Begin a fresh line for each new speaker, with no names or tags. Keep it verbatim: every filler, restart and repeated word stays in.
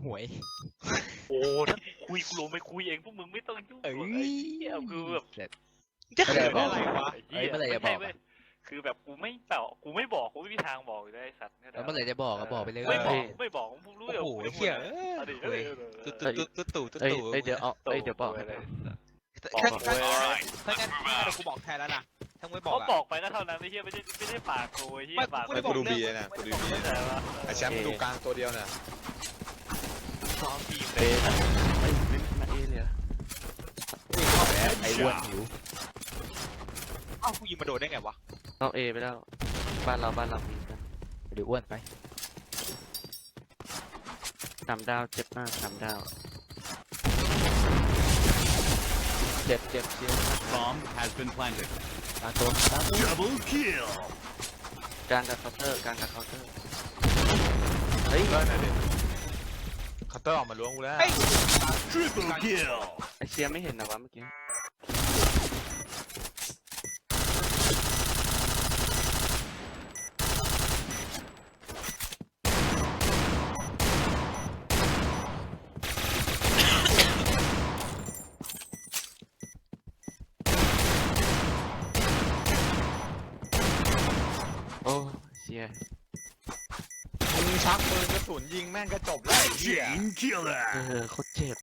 หวย
โอ้ถ้าคุยกูลงไปคุยเองพวกมึงไม่ต้องยุ่งหรอกไอ้เหี้ยคือแบบ
จะเขินอะไรวะ
ไอ้เหี้ยไม่ใช่เว้ยคือแบบกูไม่บอกกูไม่บอกกูไม่มีทางบอกอยู่แล้วไอ้สัตว์
แล้วเมื่อไหร่จะบอกก็บอกไปเลย
ไม่บอกไม่บอกมึงรู้
โอ้
เดี๋ยว
โห
กู
เฮีย
เอาดิเอาดิ
ตุ๊ตุ๊ตุ๊ตุ๊ตุ๊
เอ้ย
ตุ๊
เอ้ยเดี๋ยวเอาเอ้ยเดี๋ยวบอก
เลย
ถ้างั้นถ้างั้นถ้างั้นกูบอกแทนแล้วนะถ้าไม่บอก
เขา
อะ
บอกไปก็เท่านั้นไอ้เหี้ยไม่ใช่ไม่ได้ปากกูไอ้เหี้ยปาก
ไม่ได้บอก
กูดู
เรื่
บี
อง
นะกูดูบี
แต่ว่า
ไอแชมป์ดูกลางตัวเดียวน่ะ
ซ้อมทีม
เอนะไอ้ไม่มาเอเลยอะ
ไอ้อ้วนหิว
เอ้ากูยิงมาโดนได้ไงวะ
นอกเอไปแล้วบ้านเราบ้านเรามีกัน
หรืออ้วนไป
สามดาวเจ็บมากสามดาว
เจ็บเจ็บเจ็บ
Bomb has been planted.
ตาตัวตาตัว
Double kill.
กลางกับเคาน์เตอร์กลางกับเคาน์เตอร์เฮ้ย
เลิศหน่อยดิคัตเตอร์ออกมาล้วงกูแล้ว
Triple kill.
ไอเชียไม่เห็นนะวะเมื่อกี้ โอ้เชีย
มึงชักปืนกระสุนยิงแม่งก็จบแล้วไอ้เหี้ย
Chain killer.
เออโค